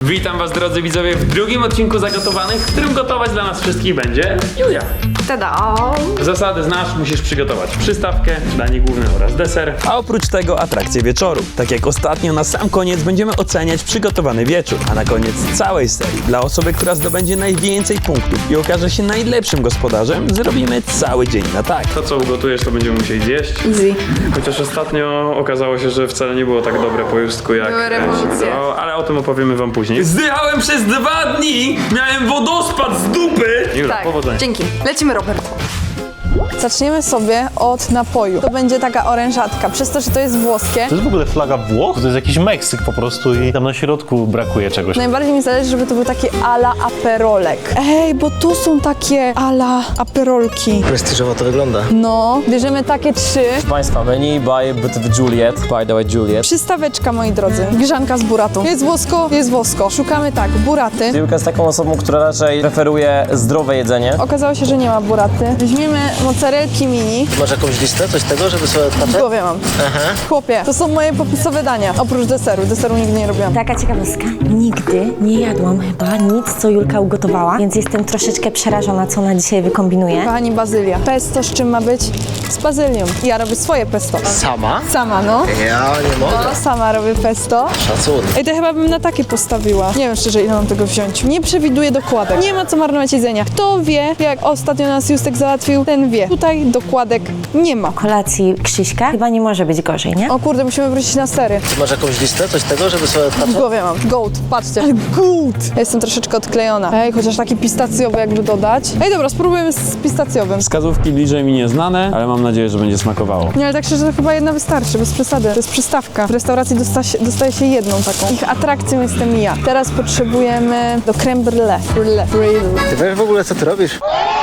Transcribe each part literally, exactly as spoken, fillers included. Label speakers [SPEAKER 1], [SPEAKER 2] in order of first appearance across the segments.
[SPEAKER 1] Witam was, drodzy widzowie, w drugim odcinku Zagotowanych, w którym gotować dla nas wszystkich będzie Julia.
[SPEAKER 2] Tada!
[SPEAKER 1] Zasady znasz, musisz przygotować przystawkę, danie główne oraz deser.
[SPEAKER 3] A oprócz tego atrakcje wieczoru. Tak jak ostatnio, na sam koniec będziemy oceniać przygotowany wieczór. A na koniec całej serii, dla osoby, która zdobędzie najwięcej punktów i okaże się najlepszym gospodarzem, zrobimy cały dzień na tak.
[SPEAKER 1] To, co ugotujesz, to będziemy musieli zjeść.
[SPEAKER 2] Easy.
[SPEAKER 1] Chociaż ostatnio okazało się, że wcale nie było tak dobre po justku jak...
[SPEAKER 2] Były rewolucje.
[SPEAKER 1] No, ale o tym opowiemy wam później. Zdychałem przez dwa dni! Miałem wodospad z dupy! Jura,
[SPEAKER 2] Tak,
[SPEAKER 1] powodzenia.
[SPEAKER 2] dzięki. Lecimy, Robert.
[SPEAKER 4] Zaczniemy sobie od napoju. To będzie taka orężatka. Przez to, że to jest włoskie,
[SPEAKER 5] To jest w ogóle flaga Włoch? To jest jakiś Meksyk po prostu i tam na środku brakuje czegoś.
[SPEAKER 4] najbardziej mi zależy, żeby to był taki ala aperolek. Ej, bo tu są takie ala aperolki.
[SPEAKER 6] Prestiżowo to wygląda.
[SPEAKER 4] No, bierzemy takie trzy.
[SPEAKER 7] Państwa, menu by Butów Juliet, by the way Juliet.
[SPEAKER 4] Przystaweczka, moi drodzy. Grzanka z buratą. Jest włosko, jest włosko. Szukamy tak, buraty.
[SPEAKER 7] Julka jest taką osobą, która raczej preferuje zdrowe jedzenie.
[SPEAKER 4] Okazało się, że nie ma buraty. Weźmiemy mozzarelki mini.
[SPEAKER 6] Masz jakąś listę, coś tego, żeby sobie
[SPEAKER 4] W
[SPEAKER 6] odpatrzeć?
[SPEAKER 4] głowie mam.
[SPEAKER 6] Aha.
[SPEAKER 4] Chłopie, to są moje popisowe dania. Oprócz deseru. Deseru nigdy nie robiłam.
[SPEAKER 8] Taka ciekawostka. Nigdy nie jadłam chyba nic, co Julka ugotowała, więc jestem troszeczkę przerażona, co ona dzisiaj wykombinuje.
[SPEAKER 4] Kochani, bazylia. Pesto z czym ma być? Z bazylią. Ja robię swoje pesto.
[SPEAKER 6] Sama?
[SPEAKER 4] Sama, no.
[SPEAKER 6] Ja nie mogę.
[SPEAKER 4] No, sama robię pesto.
[SPEAKER 6] Szacun.
[SPEAKER 4] Ej, to chyba bym na takie postawiła. Nie wiem szczerze, ile mam tego wziąć. Nie przewiduję dokładek. Nie ma co marnować jedzenia. Kto wie, jak ostatnio nas Justek załatwił, ten wie. Tutaj dokładek nie ma.
[SPEAKER 8] Kolacji Krzyśka chyba nie może być gorzej, nie?
[SPEAKER 4] O kurde, musimy wrócić na sery.
[SPEAKER 6] Ty masz jakąś listę, coś tego, żeby sobie
[SPEAKER 4] W
[SPEAKER 6] odpatrzeć?
[SPEAKER 4] głowie mam. Goat, patrzcie. Ale goat! Ja jestem troszeczkę odklejona. Ej, chociaż taki pistacjowy jakby dodać. Ej, dobra, spróbujemy z pistacjowym.
[SPEAKER 1] Wskazówki bliżej mi nieznane, ale mam nadzieję, że będzie smakowało.
[SPEAKER 4] Nie, ale tak szczerze, to chyba jedna wystarczy, bez przesady. To jest przystawka. W restauracji dosta się, dostaje się jedną taką. Ich atrakcją jestem ja. Teraz potrzebujemy do creme brulee. Brulee. Brulee.
[SPEAKER 6] Ty wiesz w ogóle, co ty robisz?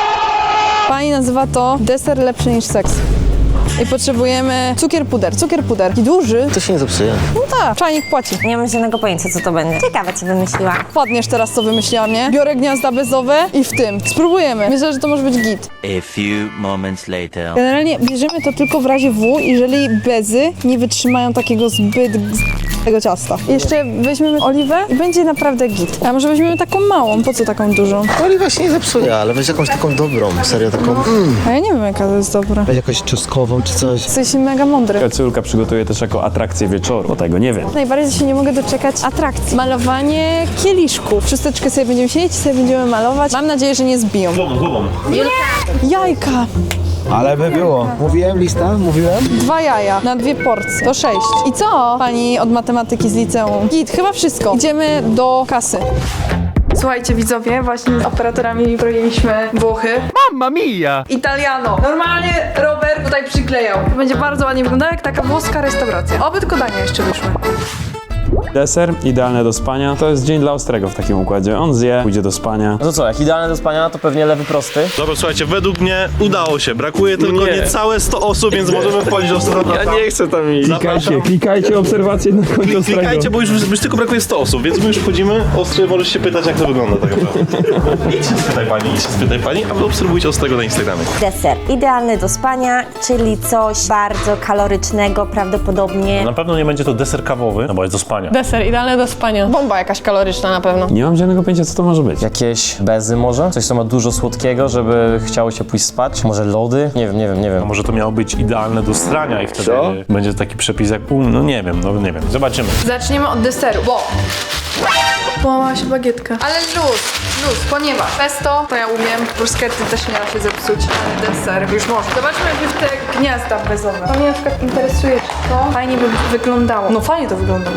[SPEAKER 4] Pani nazywa to deser lepszy niż seks. I potrzebujemy cukier puder. Cukier puder. I duży.
[SPEAKER 6] To się nie zepsuje.
[SPEAKER 4] No tak, czajnik płaci.
[SPEAKER 8] Nie mam żadnego pojęcia, co to będzie. Ciekawe, co wymyśliła.
[SPEAKER 4] Wpadniesz teraz, co wymyśliłam, nie? Biorę gniazda bezowe i w tym. Spróbujemy. Myślę, że to może być git.
[SPEAKER 9] A few moments later.
[SPEAKER 4] Generalnie bierzemy to tylko w razie W, jeżeli bezy nie wytrzymają takiego zbyt tego ciasta. Jeszcze weźmiemy oliwę i będzie naprawdę git. A może weźmiemy taką małą? Po co taką dużą?
[SPEAKER 6] Oliwa się nie zepsuje, ale weź jakąś taką dobrą, serio taką. Mm.
[SPEAKER 4] A ja nie wiem, jaka to jest dobra.
[SPEAKER 6] Weź jakąś czosnkową czy coś.
[SPEAKER 4] Jesteś mega mądry.
[SPEAKER 1] Córka przygotuje też jako atrakcję wieczoru, bo tego nie wiem.
[SPEAKER 4] Najbardziej się nie mogę doczekać atrakcji. Malowanie kieliszków. Wszysteczkę sobie będziemy siedzieć, sobie będziemy malować. Mam nadzieję, że nie zbiją.
[SPEAKER 5] Głową, głową.
[SPEAKER 4] Jajka.
[SPEAKER 6] Ale by było. Mówiłem lista? Mówiłem?
[SPEAKER 4] Dwa jaja na dwie porcje. To sześć. I co, pani od matematyki z liceum? Git, chyba wszystko. Idziemy do kasy. Słuchajcie widzowie, właśnie z operatorami broniliśmy Włochy. Mamma mia! Italiano. Normalnie Robert tutaj przyklejał. To będzie bardzo ładnie wyglądało jak taka włoska restauracja. Oby tylko dania jeszcze wyszły.
[SPEAKER 1] Deser, idealne do spania. To jest dzień dla Ostrego w takim układzie. On zje, pójdzie do spania.
[SPEAKER 7] No to co, jak idealne do spania, to pewnie lewy prosty.
[SPEAKER 5] Dobra, słuchajcie, według mnie udało się. Brakuje tylko
[SPEAKER 1] Nie.
[SPEAKER 5] niecałe sto osób, więc możemy wchodzić do strony.
[SPEAKER 1] Ja nie chcę tam iść.
[SPEAKER 5] Zapraszam.
[SPEAKER 1] klikajcie obserwacje na końcu Ostrego.
[SPEAKER 5] Klikajcie, bo już, już tylko brakuje sto osób, więc my już wchodzimy. Ostry, możesz się pytać, jak to wygląda tak naprawdę. Idź się spytaj pani, idź się spytaj pani, a wy obserwujcie Ostrego na Instagramie.
[SPEAKER 8] Deser idealny do spania, czyli coś bardzo kalorycznego prawdopodobnie.
[SPEAKER 5] Na pewno nie będzie to deser kawowy, no bo jest do spania.
[SPEAKER 4] Deser, idealne do spania. Bomba jakaś kaloryczna na pewno.
[SPEAKER 1] Nie mam żadnego pojęcia, co to może być.
[SPEAKER 7] Jakieś bezy może? Coś, co ma dużo słodkiego, żeby chciało się pójść spać? Może lody? Nie wiem, nie wiem, nie
[SPEAKER 5] No
[SPEAKER 7] wiem.
[SPEAKER 5] może to miało być idealne do strania i wtedy
[SPEAKER 1] Co?
[SPEAKER 5] będzie taki przepis jak pół, no nie wiem, no nie wiem. Zobaczymy.
[SPEAKER 4] Zaczniemy od deseru, bo... Połamała się bagietka. Ale luz, luz, ponieważ pesto to ja umiem, bruschetty też nie da się zepsuć, ale deser już może. Zobaczmy najpierw te gniazda bezowe. To mnie na przykład interesuje, czy to fajnie by wyglądało. No fajnie to wygląda.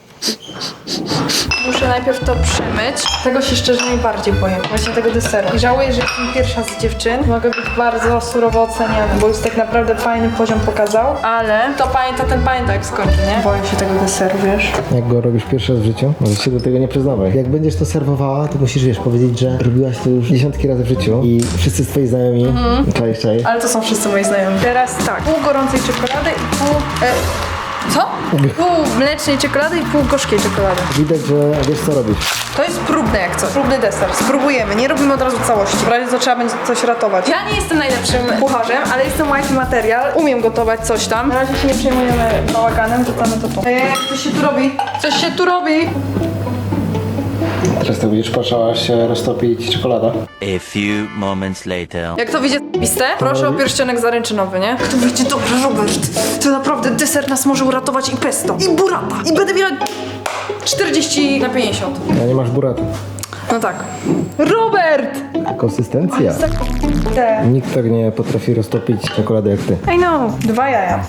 [SPEAKER 4] Muszę najpierw to przemyć. Tego się szczerze najbardziej boję. Właśnie tego deseru. I żałuję, że jestem pierwsza z dziewczyn. Mogę być bardzo surowo oceniana, bo już tak naprawdę fajny poziom pokazał. Ale to pamięta, ten pamięta jak skończy, nie? Boję się tego deseru, wiesz?
[SPEAKER 6] Jak go robisz pierwszy raz w życiu, możesz się do tego nie przyznawać. Jak będziesz to serwowała, to musisz, wiesz, powiedzieć, że robiłaś to już dziesiątki razy w życiu i wszyscy twoi znajomi, mm. czaisz, czaisz.
[SPEAKER 4] Ale to są wszyscy moi znajomi. Teraz tak, pół gorącej czekolady i pół... E, co? Pół mlecznej czekolady i pół gorzkiej czekolady.
[SPEAKER 6] Widać, że wiesz, co robisz.
[SPEAKER 4] To jest próbne jak coś. Próbny deser. Spróbujemy, nie robimy od razu całości. W razie co trzeba będzie coś ratować. Ja nie jestem najlepszym kucharzem, ale jestem wifey material. Umiem gotować coś tam. Na razie się nie przejmujemy bałaganem, to mamy to tu. Ej, coś się tu robi. Coś się tu robi.
[SPEAKER 6] Teraz tak będziesz patrzała, aż się roztopi czekolada.
[SPEAKER 9] A few moments later.
[SPEAKER 4] Jak to wyjdzie piste, proszę o pierścionek zaręczynowy, nie? Jak to wyjdzie dobrze, Robert. To naprawdę deser nas może uratować i pesto, i burrata. I będę miała czterdzieści na pięćdziesiąt.
[SPEAKER 6] A nie masz buratu.
[SPEAKER 4] No tak. Robert!
[SPEAKER 6] Konsystencja.
[SPEAKER 4] Te.
[SPEAKER 6] Nikt tak nie potrafi roztopić czekolady jak ty.
[SPEAKER 4] I know. Dwa jaja.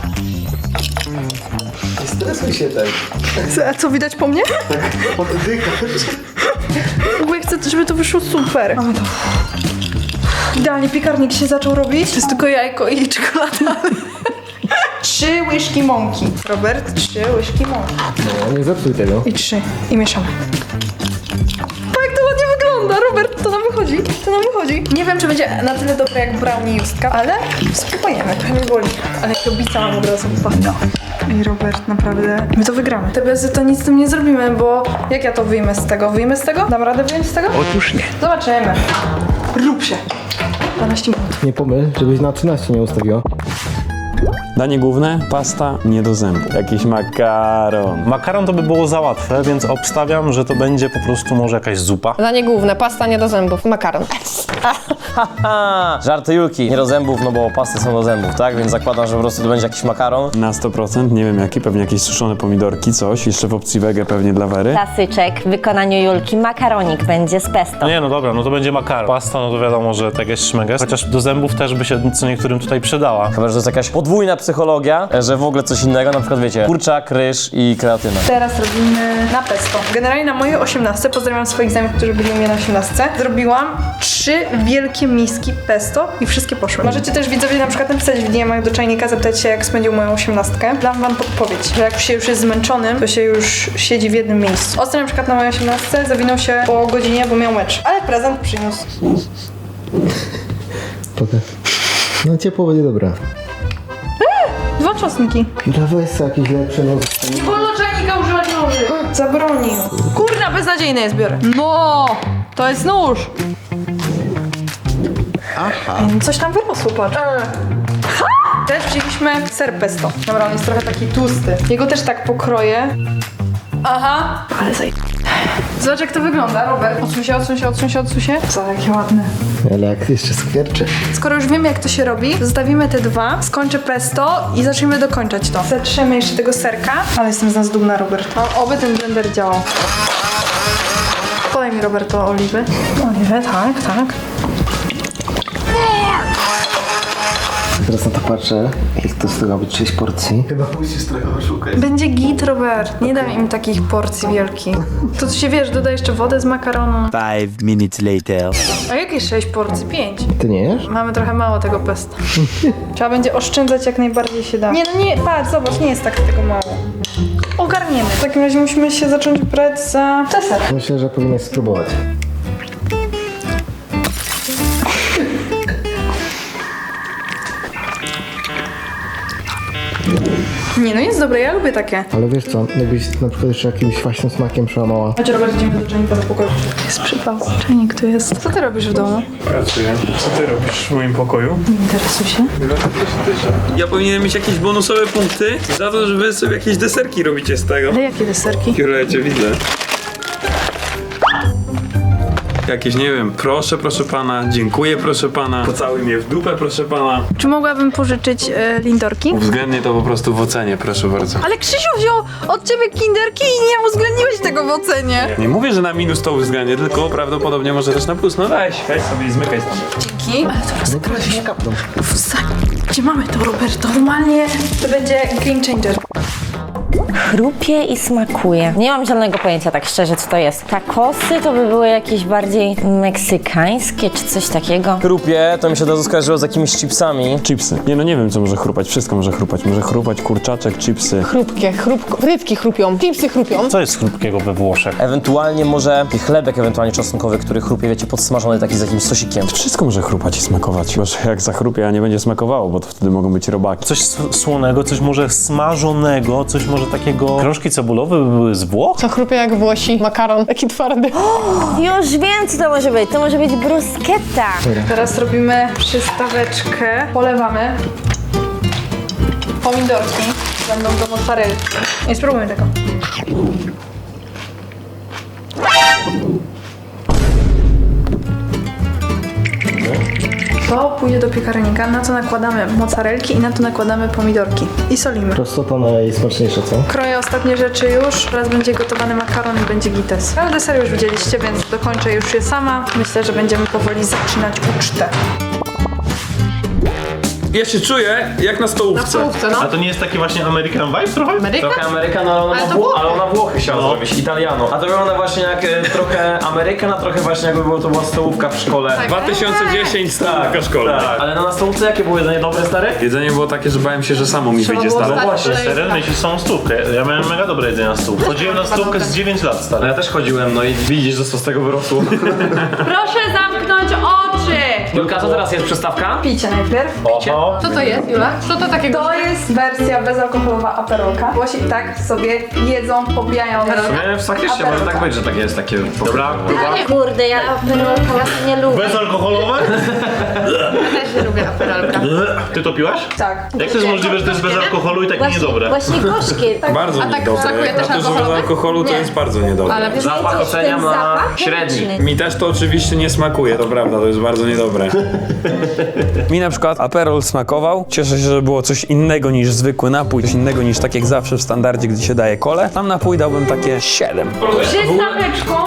[SPEAKER 6] Nie stresuj się tak.
[SPEAKER 4] A co, widać po mnie? Bo ja chcę, żeby to wyszło super. Mamy to. Idealnie piekarnik się zaczął robić. To jest tylko jajko i czekolada. Trzy łyżki mąki. Robert, trzy łyżki mąki.
[SPEAKER 6] No, nie zepsuj tego.
[SPEAKER 4] I trzy. I mieszamy. O, jak to ładnie wygląda, Robert, to nam wychodzi. To nam wychodzi. Nie wiem, czy będzie na tyle dobre jak brownie Justka, ale spróbujemy. Trochę mnie boli. Ale jak obica mam od razu. No. Ej, Robert, naprawdę. My to wygramy. Te bezy to nic z tym nie zrobimy, bo jak ja to wyjmę z tego? Wyjmę z tego? Dam radę wyjąć z tego?
[SPEAKER 6] Otóż nie.
[SPEAKER 4] Zobaczymy. Rób się. dwanaście minut.
[SPEAKER 6] Nie pomyl, żebyś na trzynaście nie ustawiła.
[SPEAKER 3] Danie główne, pasta nie do zębu. Jakiś makaron.
[SPEAKER 5] Makaron to by było za łatwe, więc obstawiam, że to będzie po prostu może jakaś zupa.
[SPEAKER 10] Danie główne, pasta nie do zębów, makaron.
[SPEAKER 7] Haha, żarty Julki. Nie do zębów, no bo pasty są do zębów, tak? Więc zakładam, że po prostu to będzie jakiś makaron.
[SPEAKER 3] Na sto procent, nie wiem jaki, pewnie jakieś suszone pomidorki, coś. Jeszcze w opcji wege pewnie dla Wery.
[SPEAKER 8] Klasyczek w wykonaniu Julki, makaronik będzie z pesto.
[SPEAKER 5] No nie, no dobra, no to będzie makaron. Pasta, no to wiadomo, że tak jest szmeges. Chociaż do zębów też by się co niektórym tutaj przydała.
[SPEAKER 7] Chyba, że to jest jakaś podwójna psychologia, że w ogóle coś innego, na przykład wiecie, kurczak, ryż i kreatyna.
[SPEAKER 4] Teraz robimy na pesto. Generalnie na mojej osiemnastce, pozdrawiam swoich znajomych, którzy byli u mnie na osiemnastce, zrobiłam trzy wielkie miski pesto i wszystkie poszły. Możecie też widzowie na przykład napisać w D M-ach do czajnika, zapytać się, jak spędził moją osiemnastkę. Dam wam podpowiedź, że jak się już jest zmęczonym, to się już siedzi w jednym miejscu. Ostry na przykład na mojej osiemnastce zawinął się po godzinie, bo miał mecz. Ale prezent przyniósł.
[SPEAKER 6] Pokaż. No ciepło będzie dobra.
[SPEAKER 4] Dwa czosnki.
[SPEAKER 6] No weź sobie jakiś lepszy noc.
[SPEAKER 4] Nie wolno czajnika używać noży. Zabronił. Kurna, beznadziejne jest, biorę. No, to jest nóż. Aha. Coś tam wyrosło, patrz. Ha! Też wzięliśmy ser pesto. Dobra, on jest trochę taki tłusty. Jego też tak pokroję. Aha. Ale zaj... Zobacz, jak to wygląda, Robert. Odsuń się, odsuń się, odsuń się, odsuń się. Co, jakie ładne.
[SPEAKER 6] Ale jak jeszcze skwierczy.
[SPEAKER 4] Skoro już wiemy, jak to się robi, zostawimy te dwa, skończę pesto i zaczniemy dokończać to. Zatrzemy jeszcze tego serka, ale jestem z nas dumna, Robert. No, oby ten blender działał. Podaj mi, Roberto, oliwy. Oliwy, tak, tak.
[SPEAKER 6] Teraz na to patrzę, jak to z tego być sześć porcji. Chyba musisz trochę oszukać.
[SPEAKER 4] Będzie git, Robert. Nie dam im takich porcji wielkich. To ty się wiesz, dodaj jeszcze wodę z makaronu.
[SPEAKER 9] Five minutes later.
[SPEAKER 4] A jakieś sześć porcji? Pięć.
[SPEAKER 6] Ty nie jesz?
[SPEAKER 4] Mamy trochę mało tego pesta. Trzeba będzie oszczędzać jak najbardziej się da. Nie, no nie, patrz, zobacz, nie jest tak tego mało. Ogarniemy. W takim razie musimy się zacząć brać za deser.
[SPEAKER 6] Myślę, że powinnaś spróbować.
[SPEAKER 4] Nie, no jest dobre, ja lubię takie.
[SPEAKER 6] Ale wiesz co, jakbyś na przykład jeszcze jakimś kwaśnym smakiem przełamała.
[SPEAKER 4] Chodź, Robert, idziemy do czajnika do pokoju. Jest przypał. Czajnik tu jest. Co ty robisz w domu?
[SPEAKER 1] Pracuję. Co ty robisz w moim pokoju?
[SPEAKER 4] Nie interesuj się.
[SPEAKER 1] Ja powinienem mieć jakieś bonusowe punkty za to, że wy sobie jakieś deserki robicie z tego.
[SPEAKER 4] Ale jakie deserki?
[SPEAKER 1] Jura, ja cię widzę. Jakieś, nie wiem, proszę, proszę pana, dziękuję, proszę pana, pocałuj mnie w dupę, proszę pana.
[SPEAKER 4] Czy mogłabym pożyczyć e, lindorki?
[SPEAKER 1] Uwzględnię to po prostu w ocenie, proszę bardzo.
[SPEAKER 4] Ale Krzysiu wziął od ciebie kinderki i nie uwzględniłeś tego w ocenie.
[SPEAKER 1] Nie mówię, że na minus to uwzględnię, tylko prawdopodobnie może też na plus. No weź, weź sobie i zmykaj stąd.
[SPEAKER 4] Dzięki. Ale to
[SPEAKER 6] Zakręć się kapną.
[SPEAKER 4] gdzie mamy to, Roberto? Normalnie to będzie game changer.
[SPEAKER 8] Chrupie i smakuje. Nie mam zielonego pojęcia, tak szczerze, co to jest. Takosy to by były jakieś bardziej meksykańskie, czy coś takiego.
[SPEAKER 7] Chrupie, to mi się od razu skojarzyło z jakimiś chipsami.
[SPEAKER 3] Chipsy. Nie no nie wiem co może chrupać, wszystko może chrupać. Może chrupać kurczaczek, chipsy.
[SPEAKER 10] Chrupkie, chrupko, frytki chrupią, chipsy chrupią.
[SPEAKER 5] Co jest chrupkiego we Włoszech?
[SPEAKER 7] Ewentualnie może taki chlebek ewentualnie czosnkowy, który chrupie, wiecie, podsmażony taki z jakimś sosikiem.
[SPEAKER 3] Wszystko może chrupać i smakować. Bo że jak zachrupie, a nie będzie smakowało, bo to wtedy mogą być robaki.
[SPEAKER 5] Coś s- słonego, coś może smażonego, coś może takiego... Krążki cebulowe by były z Włoch?
[SPEAKER 10] Co chrupie jak Włosi, makaron, taki twardy.
[SPEAKER 8] Już wiem, co to może być. To może być bruschetta.
[SPEAKER 4] Teraz robimy przystaweczkę. Polewamy. Pomidorki będą do mozzarelli. Nie spróbujmy tego. To pójdzie do piekarnika, na to nakładamy mozzarelki i na to nakładamy pomidorki. I solimy.
[SPEAKER 6] Prostota najsmaczniejsza, co?
[SPEAKER 4] Kroję ostatnie rzeczy już, teraz będzie gotowany makaron i będzie gites. Ale deser już widzieliście, więc dokończę już je sama. Myślę, że będziemy powoli zaczynać ucztę.
[SPEAKER 1] Ja się czuję jak na stołówce.
[SPEAKER 10] Stołówce, no.
[SPEAKER 5] A to nie jest taki właśnie American vibe trochę?
[SPEAKER 10] Ameryka?
[SPEAKER 7] Trochę Amerykan, ale ona,
[SPEAKER 10] Ale
[SPEAKER 7] ma
[SPEAKER 10] to
[SPEAKER 7] Wło-
[SPEAKER 10] Włochy.
[SPEAKER 7] ale ona Włochy chciała
[SPEAKER 5] No.
[SPEAKER 7] zrobić, Italiano. A to wygląda właśnie jak e, trochę Amerykan, a trochę właśnie jakby było to była stołówka w szkole.
[SPEAKER 1] dwa tysiące dziesięć stołówka szkolna.
[SPEAKER 7] Tak. Ale no na stołówce jakie było jedzenie dobre, stare?
[SPEAKER 1] Jedzenie było takie, że bałem się, że samo mi wyjdzie
[SPEAKER 10] było
[SPEAKER 1] stare.
[SPEAKER 10] stać
[SPEAKER 7] właśnie,
[SPEAKER 10] kolejkę.
[SPEAKER 5] Teren myśli samą stówkę. Ja miałem mega dobre jedzenie na stół. Chodziłem na stówkę z dziewięć lat,
[SPEAKER 7] No
[SPEAKER 5] stary.
[SPEAKER 7] ja też chodziłem, no i widzisz, że co z tego wyrosło.
[SPEAKER 2] Proszę zamknąć oczy!
[SPEAKER 7] Julka, co teraz jest przystawka?
[SPEAKER 4] Picie najpierw.
[SPEAKER 5] Oho.
[SPEAKER 10] Co to jest, Jula? Co to takiego?
[SPEAKER 4] To jest wersja bezalkoholowa aperolka. Włosi tak sobie jedzą, pobijają.
[SPEAKER 7] Nie, faktycznie może tak być, że takie jest takie...
[SPEAKER 5] Dobra, próba.
[SPEAKER 8] Kurde, ja aperolka nie lubię.
[SPEAKER 5] Bezalkoholowe?
[SPEAKER 10] Też nie lubię aperolka.
[SPEAKER 5] Ty to piłaś?
[SPEAKER 4] Tak.
[SPEAKER 5] Jak to jest możliwe, że to jest bez alkoholu i takie
[SPEAKER 8] Właśnie,
[SPEAKER 5] niedobre?
[SPEAKER 8] właśnie gorzkie.
[SPEAKER 1] Bardzo
[SPEAKER 10] A tak
[SPEAKER 1] niedobre.
[SPEAKER 10] smakuje
[SPEAKER 1] Jak
[SPEAKER 10] też
[SPEAKER 1] na to, że bez
[SPEAKER 10] alkoholowe?
[SPEAKER 1] alkoholu to
[SPEAKER 4] Nie.
[SPEAKER 1] jest bardzo niedobre.
[SPEAKER 10] Ale
[SPEAKER 7] Zapach oceniam
[SPEAKER 8] ten
[SPEAKER 7] na
[SPEAKER 8] zapach
[SPEAKER 7] średni.
[SPEAKER 8] chemiczny.
[SPEAKER 1] Mi też to oczywiście nie smakuje, to prawda, to jest bardzo niedobre.
[SPEAKER 3] Mi na przykład Aperol smakował. Cieszę się, że było coś innego niż zwykły napój, coś innego niż tak jak zawsze w standardzie, gdy się daje kole. Tam napój dałbym takie siedem.
[SPEAKER 2] Przystaweczką.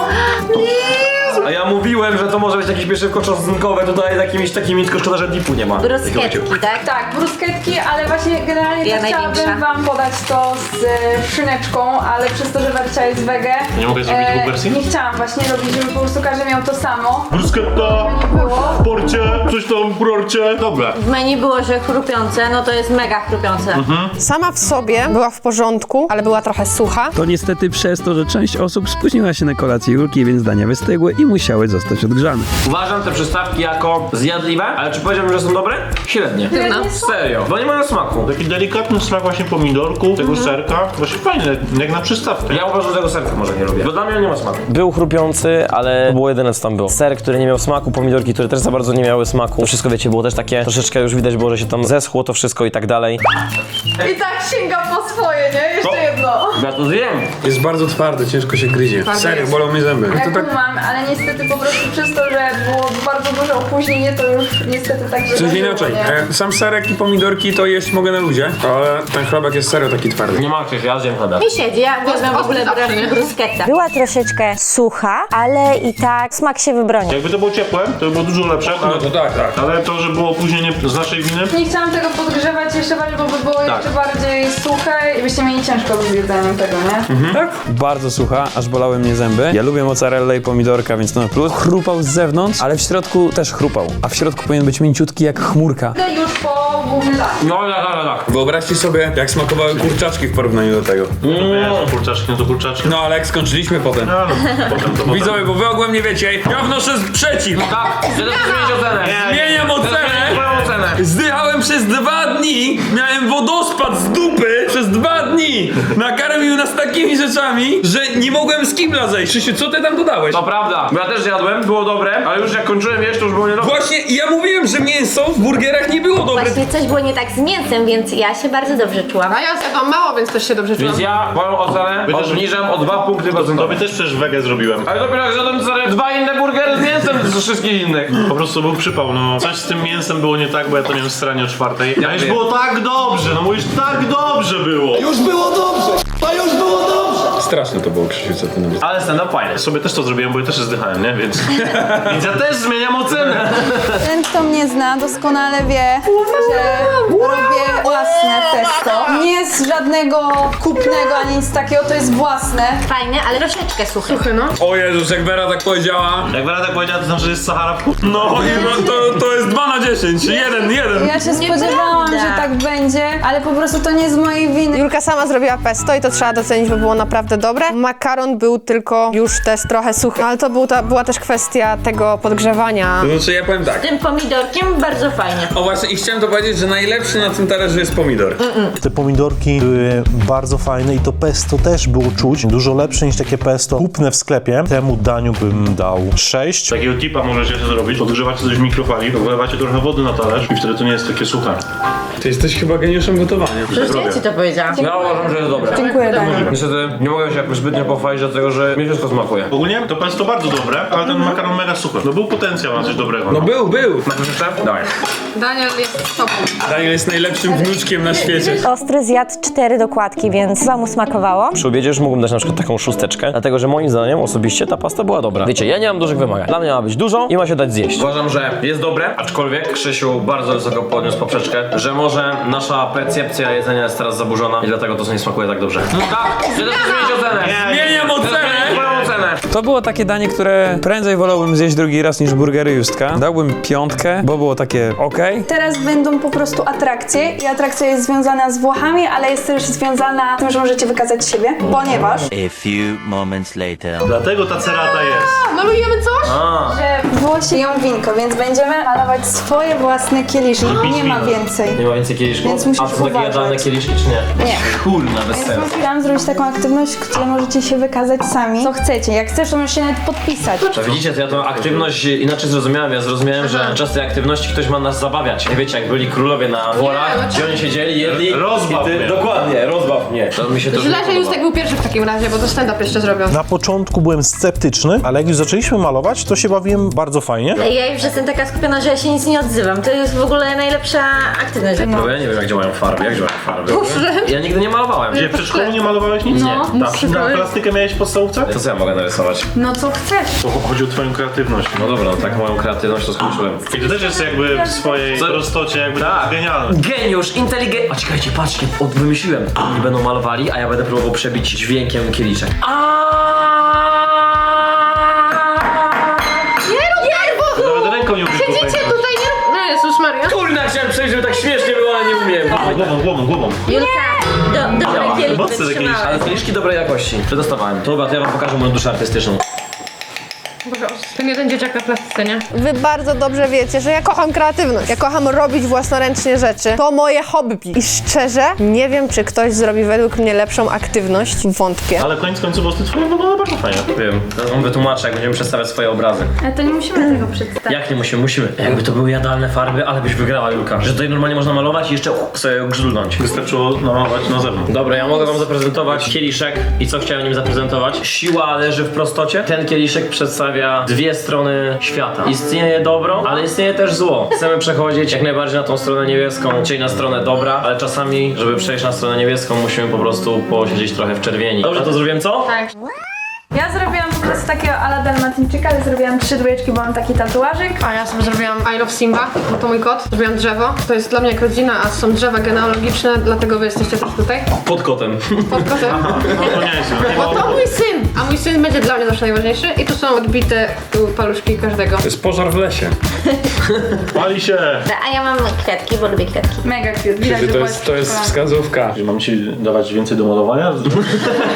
[SPEAKER 7] A ja mówiłem, że to może być jakieś pieszywko czosnkowe tutaj z jakimiś takimi, tylko szkoda, że dipu nie ma.
[SPEAKER 8] Bruschetki, tak?
[SPEAKER 4] Tak, brusketki, ale właśnie generalnie
[SPEAKER 8] Ja
[SPEAKER 4] to chciałabym
[SPEAKER 8] największa.
[SPEAKER 4] wam podać to z e, szyneczką, ale przez to, że Wercia jest wege.
[SPEAKER 5] Nie mogę zrobić dwóch wersji?
[SPEAKER 4] Nie chciałam właśnie robić, żeby po prostu każdy miał to samo.
[SPEAKER 5] Bruschetta,
[SPEAKER 4] Nie było.
[SPEAKER 5] w porcie, coś tam w porcie. Dobra.
[SPEAKER 8] W menu było, że chrupiące, no to jest mega chrupiące.
[SPEAKER 10] Sama w sobie była w porządku, ale była trochę sucha.
[SPEAKER 3] To niestety przez to, że część osób spóźniła się na kolację Julki, więc dania wystygły i musiały zostać odgrzane.
[SPEAKER 7] Uważam te przystawki jako zjadliwe, ale czy powiedziałbym, że są dobre? Średnie. Serio, bo nie mają smaku.
[SPEAKER 5] Taki delikatny smak właśnie pomidorku, tego serka. Właśnie fajne, jak na przystawkę.
[SPEAKER 7] Ja uważam, że tego serka może nie lubię, bo dla mnie on nie ma smaku. Był chrupiący, ale to było jedyne co tam było. Ser, który nie miał smaku, pomidorki, które też za bardzo nie miały smaku. To wszystko, wiecie, było też takie, troszeczkę już widać było, że się tam zeschło to wszystko i tak dalej.
[SPEAKER 4] I tak sięga po swoje, nie? Jeszcze jedno.
[SPEAKER 7] Ja to zjem.
[SPEAKER 1] Jest bardzo twardy, ciężko się gryzie. Serio, bolą mnie zęby.
[SPEAKER 4] Ja
[SPEAKER 1] To tak
[SPEAKER 4] kumam, ale niestety po prostu przez to, że było bardzo duże opóźnienie, to już niestety tak
[SPEAKER 1] coś
[SPEAKER 4] wydarzyło,
[SPEAKER 1] inaczej.
[SPEAKER 4] nie?
[SPEAKER 1] E, Sam serek i pomidorki to jeść mogę na ludzie, ale ten chlebek jest serio taki twardy.
[SPEAKER 7] Nie ma Krzyś, ja zjem chlebek.
[SPEAKER 8] Mi siedzi, ja uwielbiam w ogóle
[SPEAKER 10] zawsze, nie?
[SPEAKER 8] bruschetta. Była troszeczkę sucha, ale i tak smak się wybronił.
[SPEAKER 5] Jakby to było ciepłe, to by było dużo lepsze.
[SPEAKER 1] No to tak, tak.
[SPEAKER 5] Ale to, że było opóźnienie z naszej winy.
[SPEAKER 4] Nie chciałam tego podgrzewać jeszcze bardziej, bo by było jeszcze bardziej suche i byście mieli ciężko z jedzeniem tego, nie?
[SPEAKER 3] Tak? Bardzo sucha, aż bolały mnie zęby. Ja lubię mozzarellę i pomidorka, więc to na plus. Chrupał z zewnątrz, ale w środku też chrupał. A w środku powinien być mięciutki jak chmurka.
[SPEAKER 4] Idę już po główny dach.
[SPEAKER 7] No tak, tak, tak.
[SPEAKER 1] Wyobraźcie sobie, jak smakowały kurczaczki w porównaniu do tego.
[SPEAKER 5] No to kurczaczki, no to kurczaczki.
[SPEAKER 1] No ale jak skończyliśmy potem.
[SPEAKER 5] No, no, potem to potem.
[SPEAKER 1] Widzowie, bo wy ogółem nie wiecie, ja wnoszę sprzeciw.
[SPEAKER 7] Tak, chcę też zmienić ocenę.
[SPEAKER 1] Zmieniam ocenę.
[SPEAKER 7] Moją ocenę.
[SPEAKER 1] Zdychałem przez dwa dni, miałem wodospad z dupy przez dwa dni. Nakarmił nas takimi rzeczami, że nie mogłem z kibla zejść. Krzysiu, co ty tam dodałeś?
[SPEAKER 7] To prawda, bo ja też jadłem, było dobre, ale już jak kończyłem jeść, to już było niedobre.
[SPEAKER 1] Właśnie, i ja mówiłem, że mięso w burgerach nie było dobre.
[SPEAKER 8] Właśnie coś było nie tak z mięsem, więc ja się bardzo dobrze czułam.
[SPEAKER 10] A ja zjadłam mało, więc też się dobrze czułam.
[SPEAKER 7] Więc ja moją ocenę
[SPEAKER 5] Wy też-
[SPEAKER 7] obniżam o dwa punkty
[SPEAKER 5] Tobie
[SPEAKER 7] procentowe.
[SPEAKER 5] też przecież wegę zrobiłem.
[SPEAKER 7] Ale dopiero jak zjadłem sobie dwa inne burgery z mięsem ze wszystkich innych.
[SPEAKER 5] Po prostu był przypał, no. Coś z tym mięsem było nie tak, bo ja to miałem w stranie o czwartej. A już
[SPEAKER 7] wiem.
[SPEAKER 5] było tak dobrze, no mówisz, tak dobrze było.
[SPEAKER 1] Straszne to było, Krzysiu, co ty napisałeś.
[SPEAKER 7] Ale stand-up fajny.
[SPEAKER 5] Sobie też to zrobiłem, bo ja też się zdychałem, nie? Więc, więc ja też zmieniam ocenę.
[SPEAKER 4] Ten, kto mnie zna, doskonale wie, że robię własne testo. Nie z żadnego kupnego ani nic takiego, to jest własne.
[SPEAKER 8] Fajne, ale troszeczkę suche. Suchy, no.
[SPEAKER 1] O Jezus, jak Vera tak powiedziała.
[SPEAKER 5] Jak Vera tak powiedziała, to znaczy, że jest Sahara w kuchni.
[SPEAKER 1] No i no, to, to jest dwa na dziesięć, jeden, jeden.
[SPEAKER 4] Ja się spodziewałam, że tak będzie, ale po prostu to nie z mojej winy.
[SPEAKER 10] Julka sama zrobiła pesto i to trzeba docenić, bo było naprawdę dobre. Makaron był tylko już też trochę suchy, ale to był ta, była też kwestia tego podgrzewania.
[SPEAKER 1] To znaczy ja powiem tak.
[SPEAKER 8] Tym pomidorkiem bardzo fajnie.
[SPEAKER 1] O właśnie, i chciałem to powiedzieć, że najlepszy na tym talerzu jest pomidor.
[SPEAKER 11] Te pomidorki były bardzo fajne i to pesto też było czuć. Dużo lepsze niż takie pesto kupne w sklepie. Temu daniu bym dał sześć.
[SPEAKER 5] Takiego tipa możecie sobie zrobić. Podgrzewacie coś w mikrofali, wlewacie trochę wody na talerz i wtedy to nie jest takie suche.
[SPEAKER 1] Ty jesteś chyba geniuszem gotowania.
[SPEAKER 8] Przecież ja ci to powiedziałam.
[SPEAKER 7] Ja uważam, że jest dobre.
[SPEAKER 4] Dziękuję, Daniel.
[SPEAKER 7] Niestety nie mogę mogę się jakoś zbytnio pochwalić do tego, że mi wszystko smakuje.
[SPEAKER 5] Ogólnie to pesto bardzo dobre, ale ten makaron mega suchy. No był potencjał na coś dobrego.
[SPEAKER 1] No był, był.
[SPEAKER 7] Masz jeszcze? Dawaj.
[SPEAKER 10] Daniel jest sobą.
[SPEAKER 1] Daniel jest najlepszym wnuczkiem na świecie.
[SPEAKER 8] Ostry zjadł cztery dokładki, więc chyba mu smakowało.
[SPEAKER 7] Przy obiedzie już mógłbym dać na przykład taką szósteczkę, dlatego że moim zdaniem osobiście ta pasta była dobra. Wiecie, ja nie mam dużych wymagań. Dla mnie ma być dużo i ma się dać zjeść. Uważam, że jest dobre, aczkolwiek Krzysiu bardzo wysoko podniósł poprzeczkę, że może nasza percepcja jedzenia jest teraz zaburzona i dlatego to nie smakuje tak dobrze. No tak, chcę też zmienić ocenę.
[SPEAKER 1] Zmieniam ocenę!
[SPEAKER 7] Moją ocenę.
[SPEAKER 3] To było takie danie, które prędzej wolałbym zjeść drugi raz niż burgery Justka. Dałbym piątkę, bo było takie okej.
[SPEAKER 12] Teraz będą po prostu atrakcje i atrakcja jest związana z Włochami, ale jest też związana z tym, że możecie wykazać siebie, ponieważ
[SPEAKER 9] A few moments later.
[SPEAKER 5] Dlatego ta cerata jest.
[SPEAKER 10] Malujemy coś?
[SPEAKER 7] A.
[SPEAKER 12] że Włosi ją winko, więc będziemy malować swoje własne kieliszki. Nie ma więcej.
[SPEAKER 7] Nie ma więcej kieliszków?
[SPEAKER 12] Więc musisz
[SPEAKER 7] A to takie
[SPEAKER 12] uważać.
[SPEAKER 7] jadalne kieliszki czy nie?
[SPEAKER 12] Nie.
[SPEAKER 7] Kurna, bez
[SPEAKER 12] Więc
[SPEAKER 7] sensu.
[SPEAKER 12] chciałam zrobić taką aktywność, gdzie możecie się wykazać sami, co chcecie. Jak chcesz, to możesz się nawet podpisać.
[SPEAKER 7] To widzicie, to ja tą aktywność inaczej zrozumiałem. Ja zrozumiałem, że podczas tej aktywności ktoś ma nas zabawiać. Nie wiecie, jak byli królowie na dworach, gdzie oni siedzieli, jedli.
[SPEAKER 5] Rozbaw
[SPEAKER 7] i ty,
[SPEAKER 5] mnie.
[SPEAKER 7] Dokładnie, rozbaw mnie. To mi się to
[SPEAKER 10] Źle, że Justek był pierwszy w takim razie, bo to stand-up jeszcze zrobią.
[SPEAKER 11] Na początku byłem sceptyczny, ale jak już zaczęliśmy malować, to się bawiłem bardzo fajnie.
[SPEAKER 8] Ja już jestem taka skupiona, że ja się nic nie odzywam. To jest w ogóle najlepsza aktywność.
[SPEAKER 7] No bo ja nie wiem, jak działają farby, jak działają farby. Ja nigdy nie malowałem.
[SPEAKER 5] Gdzie w przedszkolu nie malowałeś nic?
[SPEAKER 10] No,
[SPEAKER 5] Nie. Tam, na plastykę miałeś w podstawówce?
[SPEAKER 7] To co ja mogę narysować?
[SPEAKER 12] No co chcesz?
[SPEAKER 5] To chodzi o twoją kreatywność.
[SPEAKER 7] No dobra, no tak moją kreatywność to skończyłem.
[SPEAKER 5] I to też jest jakby w swojej
[SPEAKER 7] Co?
[SPEAKER 5] prostocie jakby
[SPEAKER 7] Tak.
[SPEAKER 5] genialne.
[SPEAKER 7] Geniusz, inteligent... A czekajcie, patrzcie, od wymyśliłem. Oni będą malowali, a ja będę próbował przebić dźwiękiem kieliszek.
[SPEAKER 5] Nawet ręką nie umiesz
[SPEAKER 10] Siedzicie tutaj, nie... No Jezus Maria.
[SPEAKER 7] Kurna, chciałem przejść, żeby tak śmiesznie było, ale nie umiem.
[SPEAKER 5] Głową, głową, głową.
[SPEAKER 8] Julka, do, dobre kieliszki
[SPEAKER 5] Mocne te
[SPEAKER 8] wytrzymałeś.
[SPEAKER 7] Ale kieliszki dobrej jakości. Przedostawałem. To chyba, to ja wam pokażę moją duszę artystyczną.
[SPEAKER 10] Boże, ten jeden dzieciak na plastyce, nie? Wy bardzo dobrze wiecie, że ja kocham kreatywność. Ja kocham robić własnoręcznie rzeczy. To moje hobby. I szczerze, nie wiem, czy ktoś zrobi według mnie lepszą aktywność. Wątpię.
[SPEAKER 5] Ale koniec końców po prostu twoje wygląda bardzo fajnie.
[SPEAKER 7] Wiem, teraz wam wytłumaczę, jak będziemy przedstawiać swoje obrazy.
[SPEAKER 12] Ale to nie musimy tego przedstawić.
[SPEAKER 7] Jak nie musimy? Musimy. Jakby to były jadalne farby, ale byś wygrała, Julka. Że tutaj normalnie można malować i jeszcze sobie grzdulnąć.
[SPEAKER 5] Wystarczyło namalować na zewnątrz.
[SPEAKER 7] Dobra, ja mogę wam zaprezentować kieliszek i co chciałem nim zaprezentować. Siła leży w prostocie. Ten kieliszek przedstawia dwie strony świata. Istnieje dobro, ale istnieje też zło. Chcemy przechodzić jak najbardziej na tą stronę niebieską, czyli na stronę dobra, ale czasami, żeby przejść na stronę niebieską, musimy po prostu posiedzieć trochę w czerwieni. Dobrze to zrobiłem, co?
[SPEAKER 10] Tak.
[SPEAKER 12] Ja zrobiłam po prostu takiego ala dalmatyńczyka, ale zrobiłam trzy dwójeczki, bo mam taki tatuażyk.
[SPEAKER 10] A ja sobie zrobiłam I love Simba, bo to mój kot. Zrobiłam drzewo. To jest dla mnie jak rodzina, a są drzewa genealogiczne, dlatego wy jesteście też tutaj.
[SPEAKER 7] Pod kotem.
[SPEAKER 10] Pod kotem.
[SPEAKER 5] No to nie jest.
[SPEAKER 10] Bo to mój syn, a mój syn będzie dla mnie zawsze najważniejszy. I tu są odbite tu paluszki każdego.
[SPEAKER 1] To jest pożar w lesie.
[SPEAKER 5] Pali się.
[SPEAKER 8] A ja mam kwiatki, bo lubię kwiatki.
[SPEAKER 12] Mega cute. Widać,
[SPEAKER 1] To
[SPEAKER 12] że
[SPEAKER 1] jest, to jest wskazówka.
[SPEAKER 5] Mam ci dawać więcej do malowania? Nie wiem.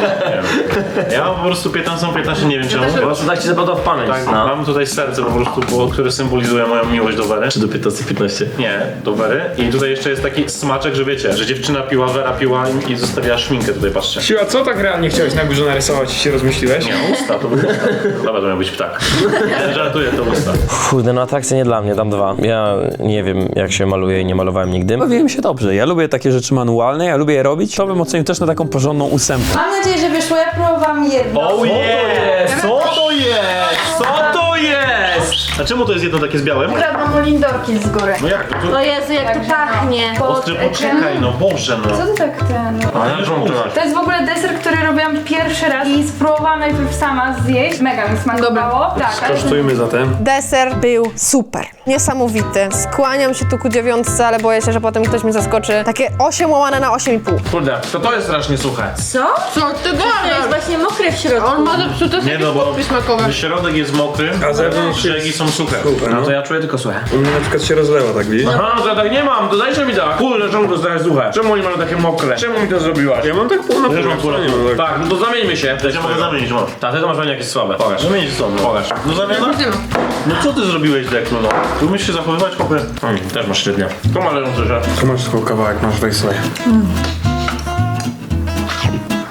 [SPEAKER 5] Ja mam po prostu piętnaście piętnaście, nie wiem czemu.
[SPEAKER 7] Po prostu tak ci zapadło w pamięć.
[SPEAKER 5] Tak,
[SPEAKER 7] No.
[SPEAKER 5] mam tutaj serce po prostu, bo, które symbolizuje moją miłość do Wery.
[SPEAKER 7] Czy do piętnaście piętnaście?
[SPEAKER 5] Nie, do Wery. I tutaj jeszcze jest taki smaczek, że wiecie, że dziewczyna piła, Wera piła i- i zostawiała szminkę tutaj, patrzcie.
[SPEAKER 1] Siła, co tak realnie chciałeś na górze narysować i się rozmyśliłeś?
[SPEAKER 5] Nie, usta, to był usta. Dobra, to miał być ptak. Ja żartuję, to usta.
[SPEAKER 7] Kurde, no atrakcja nie dla mnie, dam dwa. Ja nie wiem, jak się maluje i nie malowałem nigdy.
[SPEAKER 3] Bawiłem się dobrze. Ja lubię takie rzeczy manualne, ja lubię je robić. To bym ocenił też na taką porządną ósemkę.
[SPEAKER 12] Mam nadzieję, że wyszło. Ja próbowałam jedno.
[SPEAKER 5] Oh yeah! Co to jest? Co to jest? A czemu to jest jedno takie z białym?
[SPEAKER 12] Ukradłam lindorki z góry.
[SPEAKER 5] No jak to?
[SPEAKER 8] O Jezu, jak to pachnie.
[SPEAKER 5] Ostry, poczekaj, no Boże, no.
[SPEAKER 12] Co ty tak ten...
[SPEAKER 5] Ale już mam to.
[SPEAKER 12] To jest w ogóle deser, który robiłam pierwszy raz i spróbowałam najpierw sama zjeść. Mega mi smakowało. Tak, ale
[SPEAKER 1] Kosztujmy zatem.
[SPEAKER 10] Deser był super. Niesamowity. Skłaniam się tu ku dziewiątce, ale boję się, że potem ktoś mnie zaskoczy. Takie osiem łamane na osiem i pół.
[SPEAKER 7] Kurde, to to jest strasznie suche.
[SPEAKER 8] Co?
[SPEAKER 10] Co ty
[SPEAKER 8] To jest właśnie mokre w środku.
[SPEAKER 10] On ma zepsute
[SPEAKER 5] Nie no, bo
[SPEAKER 10] smakowe.
[SPEAKER 5] środek jest mokry,
[SPEAKER 1] A zewnątrz
[SPEAKER 5] brzegi są suche.
[SPEAKER 7] No to ja czuję tylko suche.
[SPEAKER 1] U mnie na przykład się rozlewa, tak widzisz?
[SPEAKER 7] Aha, to ja tak nie mam, to dajcie mi tak. Kurde, czemu to jest suche? Czemu oni mają takie mokre? Czemu mi to zrobiłaś?
[SPEAKER 1] Ja mam tak pół na pół.
[SPEAKER 5] Też mam pół na
[SPEAKER 1] nie
[SPEAKER 5] pół.
[SPEAKER 1] mam tak.
[SPEAKER 7] Tak, no to zamieńmy się.
[SPEAKER 5] Ja mogę zamienić, masz.
[SPEAKER 7] Tak, ty to masz pewnie jakieś słabe. Pokaż.
[SPEAKER 5] Zamienić co? No.
[SPEAKER 7] Pokaż.
[SPEAKER 5] No zamiana? No co ty zrobiłeś, Deklu, no? Tu umiesz się zachowywać, chłopie?
[SPEAKER 7] Mm, też masz średnio.
[SPEAKER 5] To ma leżący, że...
[SPEAKER 1] Tu masz tylko kawałek, masz weź sobie.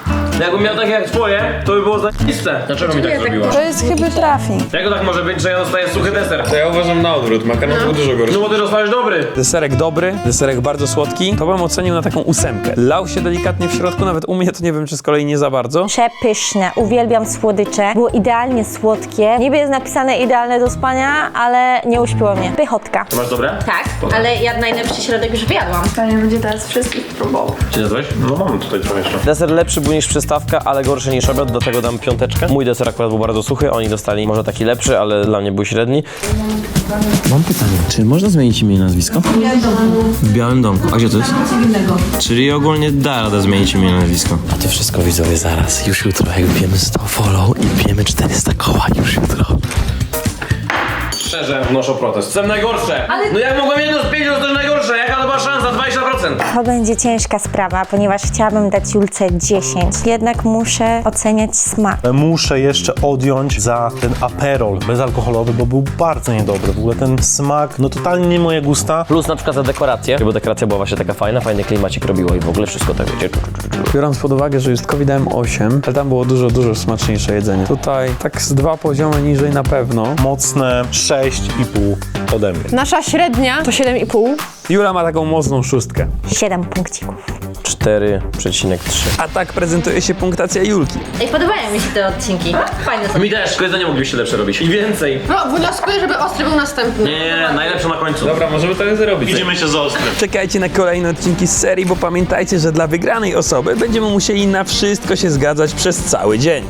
[SPEAKER 7] Jakbym miał takie jak twoje, to by było zajebiste. Dlaczego mi tak zrobiłaś?
[SPEAKER 4] To jest chyba trafi.
[SPEAKER 7] Jak to tak może być, że ja dostaję suchy deser?
[SPEAKER 1] To ja uważam na odwrót, makaron był dużo gorszy.
[SPEAKER 7] No bo ty dostajesz dobry.
[SPEAKER 3] Deserek dobry, deserek bardzo słodki, to bym ocenił na taką ósemkę. Lał się delikatnie w środku, nawet u mnie to nie wiem, czy z kolei nie za bardzo.
[SPEAKER 8] Przepyszne, uwielbiam słodycze. Było idealnie słodkie. Niby jest napisane idealne do spania, ale nie uśpiło mnie. Pychotka.
[SPEAKER 7] To masz dobre?
[SPEAKER 8] Tak, ale ja najlepszy środek już wyjadłam.
[SPEAKER 12] Panie będzie teraz wszystkich próbował.
[SPEAKER 7] Czy jadłeś?
[SPEAKER 5] No mam tutaj trochę jeszcze.
[SPEAKER 7] Deser lepszy był niż przystawka, ale gorszy niż obiad, do tego dam piąteczkę. Mój deser akurat był bardzo suchy, oni dostali może taki lepszy, ale dla mnie był średni.
[SPEAKER 13] Mam pytanie, czy można zmienić imię i nazwisko? W Białym Domku. A gdzie to jest? Czyli ogólnie da radę zmienić imię i nazwisko. A to wszystko widzowie zaraz, już jutro, jak wbijemy sto follow i bijemy czterysta koła już jutro.
[SPEAKER 7] Szczerze wnoszę protest. Są najgorsze! No jak mogłem jedno z pięciu, to też najgorsze. Jaka to była szansa? dwadzieścia procent.
[SPEAKER 8] To będzie ciężka sprawa, ponieważ chciałabym dać Julce dziesięć. Jednak muszę oceniać smak.
[SPEAKER 11] Muszę jeszcze odjąć za ten aperol bezalkoholowy, bo był bardzo niedobry. W ogóle ten smak, no totalnie nie moje gusta.
[SPEAKER 7] Plus na przykład za dekorację, bo dekoracja była właśnie taka fajna, fajny klimacik robiło i w ogóle wszystko tak wiecie.
[SPEAKER 3] Biorąc pod uwagę, że Justkowi dałem osiem, ale tam było dużo, dużo smaczniejsze jedzenie. Tutaj tak z dwa poziomy niżej na pewno.
[SPEAKER 11] Mocne sześć i pół ode mnie.
[SPEAKER 10] Nasza średnia to siedem i pół.
[SPEAKER 3] Jula ma taką mocną szóstkę.
[SPEAKER 8] siedem punkcików.
[SPEAKER 7] cztery przecinek trzy.
[SPEAKER 3] A tak prezentuje się punktacja Julki.
[SPEAKER 8] Ej, podobają mi się te odcinki. Fajne są.
[SPEAKER 7] Mi też, tylko jedzenie moglibyście lepsze robić. I więcej.
[SPEAKER 10] No, wnioskuję, żeby ostry był następny.
[SPEAKER 7] Nie, nie, nie, najlepsze na końcu.
[SPEAKER 1] Dobra, możemy tak zrobić.
[SPEAKER 5] Widzimy się za ostrym.
[SPEAKER 3] Czekajcie na kolejne odcinki z serii, bo pamiętajcie, że dla wygranej osoby będziemy musieli na wszystko się zgadzać przez cały dzień.